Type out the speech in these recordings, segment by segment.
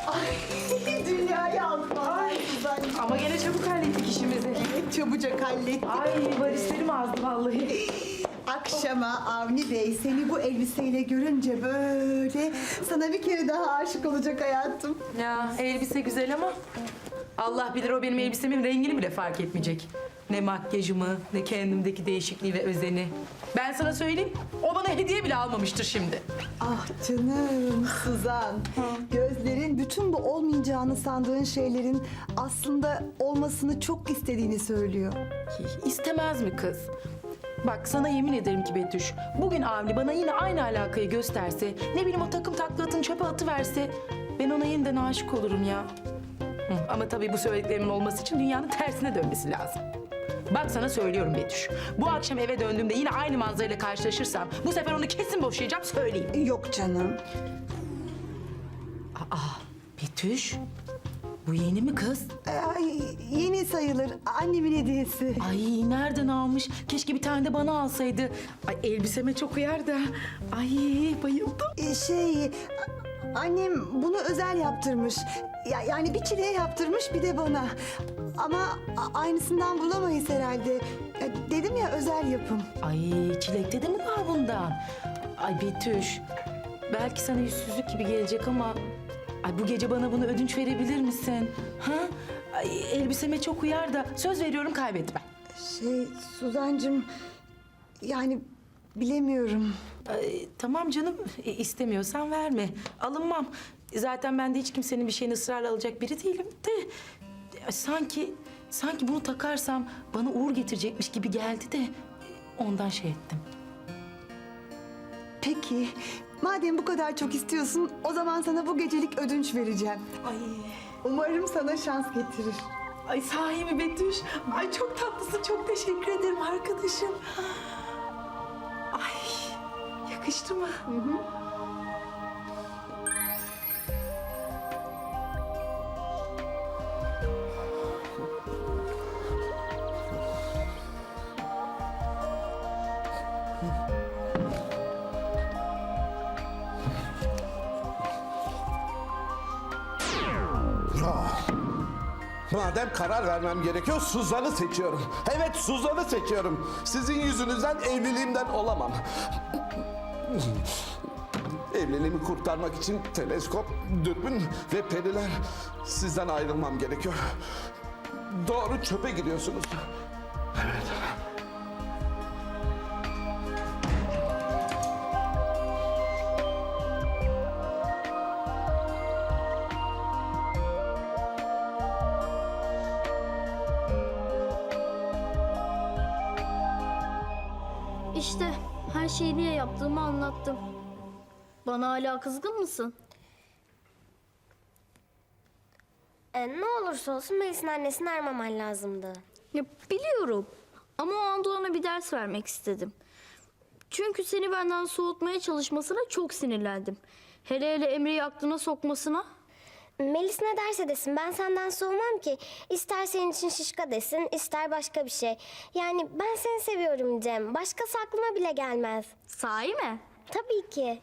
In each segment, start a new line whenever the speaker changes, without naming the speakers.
Ay dünyayı aldım. Ay Suzan'cığım.
Ama gene çabuk hallettik işimizi.
Çabucak hallettik.
Ay varislerim azdı vallahi.
Akşama Avni Bey seni bu elbiseyle görünce böyle sana bir kere daha aşık olacak hayatım.
Ya elbise güzel ama Allah bilir o benim elbisemin rengini bile fark etmeyecek. Ne makyajımı, ne kendimdeki değişikliği ve özeni. Ben sana söyleyeyim, o bana hediye bile almamıştır şimdi.
Ah canım Suzan. Gözlerin bütün bu olmayacağını sandığın şeylerin aslında olmasını çok istediğini söylüyor.
İstemez mi kız? Bak sana yemin ederim ki Betüş, bugün Avni bana yine aynı alakayı gösterse, ne bileyim o takım taklatın çöpe atıverse, ben ona yeniden aşık olurum ya. Ama tabii bu söylediklerimin olması için dünyanın tersine dönmesi lazım. Bak sana söylüyorum Betüş, bu akşam eve döndüğümde yine aynı manzarayla karşılaşırsam, bu sefer onu kesin boşayacağım söyleyeyim.
Yok canım.
Betüş, bu yeni mi kız?
Ay, yeni sayılır. Annemin hediyesi.
Ay nereden almış? Keşke bir tane de bana alsaydı. Ay elbiseme çok uyar da. Ay bayıldım.
Annem bunu özel yaptırmış. Yani bir çileğe yaptırmış bir de bana. Ama aynısından bulamayız herhalde. Dedim ya özel yapım.
Ay çilekte de mi var bundan? Ay Betüş, belki sana yüzsüzlük gibi gelecek ama... Ay bu gece bana bunu ödünç verebilir misin? Ha? Ay, elbiseme çok uyar da söz veriyorum kaybetmem.
Suzancığım yani bilemiyorum.
Ay, tamam canım, istemiyorsan verme. Alınmam. Zaten ben de hiç kimsenin bir şeyini ısrarla alacak biri değilim de... Sanki bunu takarsam bana uğur getirecekmiş gibi geldi de... Ondan şey ettim.
Peki madem bu kadar çok istiyorsun o zaman sana bu gecelik ödünç vereceğim.
Ay,
Umarım sana şans getirir.
ay sahi mi Betüş? Ay çok tatlısın, çok teşekkür ederim arkadaşım. Ay, yakıştı mı?
Madem karar vermem gerekiyor, Suzan'ı seçiyorum. Evet, Suzan'ı seçiyorum. Sizin yüzünüzden evliliğimden olamam. Evliliğimi kurtarmak için teleskop, dürbün ve periler, sizden ayrılmam gerekiyor. Doğru çöpe gidiyorsunuz. Evet.
İşte her şeyi niye yaptığımı anlattım. Bana hala kızgın mısın?
Ne olursa olsun Melis'in annesini aramaman lazımdı.
Ya biliyorum. Ama o anda ona bir ders vermek istedim. Çünkü seni benden soğutmaya çalışmasına çok sinirlendim. Hele hele Emre'yi aklına sokmasına.
Melis ne derse desin ben senden soğumam ki. İster senin için şişka desin, ister başka bir şey. Yani ben seni seviyorum Cem. Başkası aklıma bile gelmez.
Sahi mi?
Tabii ki.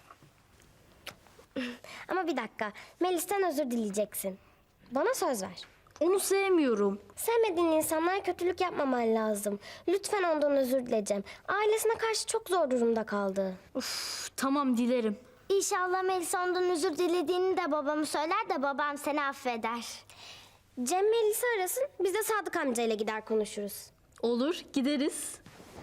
Ama bir dakika. Melis'ten özür dileyeceksin. Bana söz ver.
Onu sevmiyorum.
Sevmediğin insanlara kötülük yapmaman lazım. Lütfen ondan özür dile Cem. Ailesine karşı çok zor durumda kaldı.
Uf, tamam dilerim.
İnşallah Melis ondan özür dilediğini de babamı söyler de babam seni affeder. Cem Melis'i arasın, biz de Sadık amcayla gider konuşuruz.
Olur, gideriz.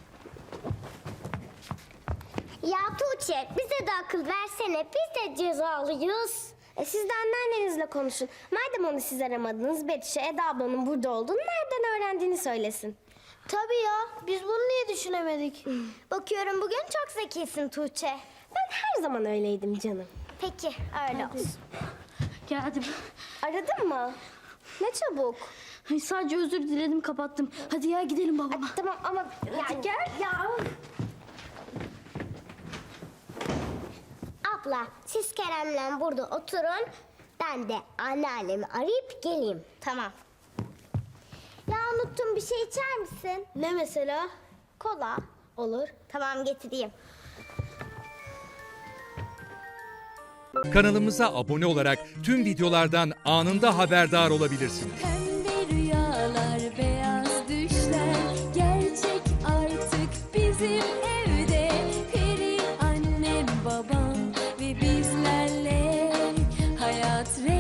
Ya Tuğçe, bize de akıl versene, biz de cezalıyız. Siz de anneannenizle konuşun. Madem onu siz aramadınız, Betüş'e Eda ablanın burada olduğunu nereden öğrendiğini söylesin.
Tabii ya. Biz bunu niye düşünemedik?
Bakıyorum bugün çok zekisin Tuğçe. Ben her zaman öyleydim canım. Peki, öyle olsun.
Geldim.
Aradın mı? Ne çabuk.
Ay, sadece özür diledim, kapattım. Hadi ya gidelim babama.
Tamam ama ya gel ya. Abla siz Kerem'le burada oturun. Ben de anneannemi arayıp geleyim. Tamam. Ya unuttum bir şey içer misin?
Ne mesela?
Kola.
Olur.
Tamam getireyim.
Kanalımıza abone olarak tüm videolardan anında haberdar olabilirsiniz.
Pembe rüyalar, beyaz düşler gerçek artık bizim evde. Peri annem, babam ve bizlerle hayat